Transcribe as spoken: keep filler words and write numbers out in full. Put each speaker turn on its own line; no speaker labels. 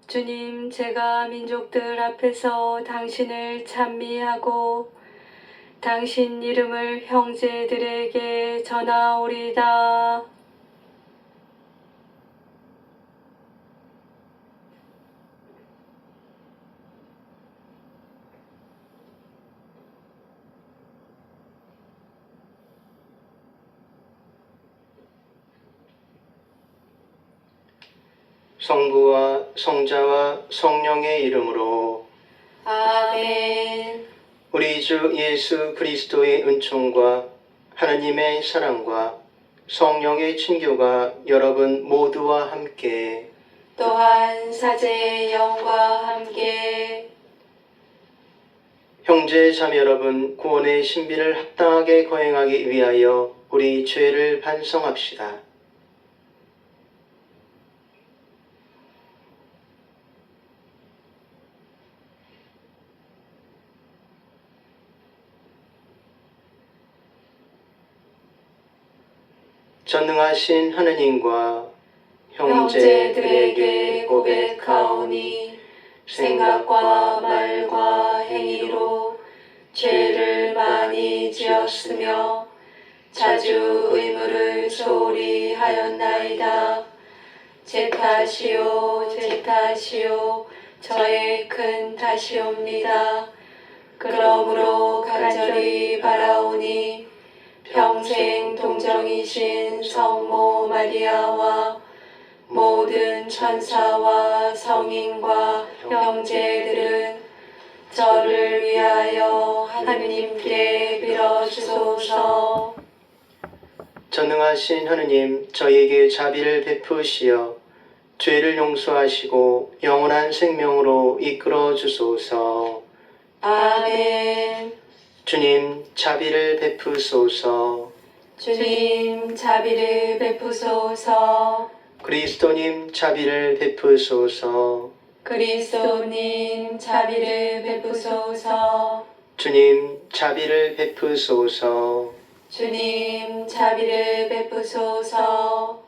주님, 제가 민족들 앞에서 당신을 찬미하고 당신 이름을 형제들에게 전하오리다.
성부와 성자와 성령의 이름으로
아멘.
우리 주 예수 그리스도의 은총과 하나님의 사랑과 성령의 친교가 여러분 모두와 함께
또한 사제의 영과 함께
형제 자매 여러분, 구원의 신비를 합당하게 거행하기 위하여 우리 죄를 반성합시다. 전능하신 하느님과
형제들에게 고백하오니 생각과 말과 행위로 죄를 많이 지었으며 자주 의무를 소홀히 하였나이다. 제 탓이요 제 탓이요 저의 큰 탓이옵니다. 그러므로 간절히 바라오니 평생 동정이신 성모 마리아와 모든 천사와 성인과 형제들은 저를 위하여 하느님께 빌어주소서.
전능하신 하느님, 저희에게 자비를 베푸시어 죄를 용서하시고 영원한 생명으로 이끌어 주소서.
아멘.
주님, 자비를 베푸소서.
주님, 자비를 베푸소서.
그리스도님, 자비를 베푸소서.
그리스도님, 자비를 베푸소서.
주님, 자비를 베푸소서.
주님, 자비를 베푸소서.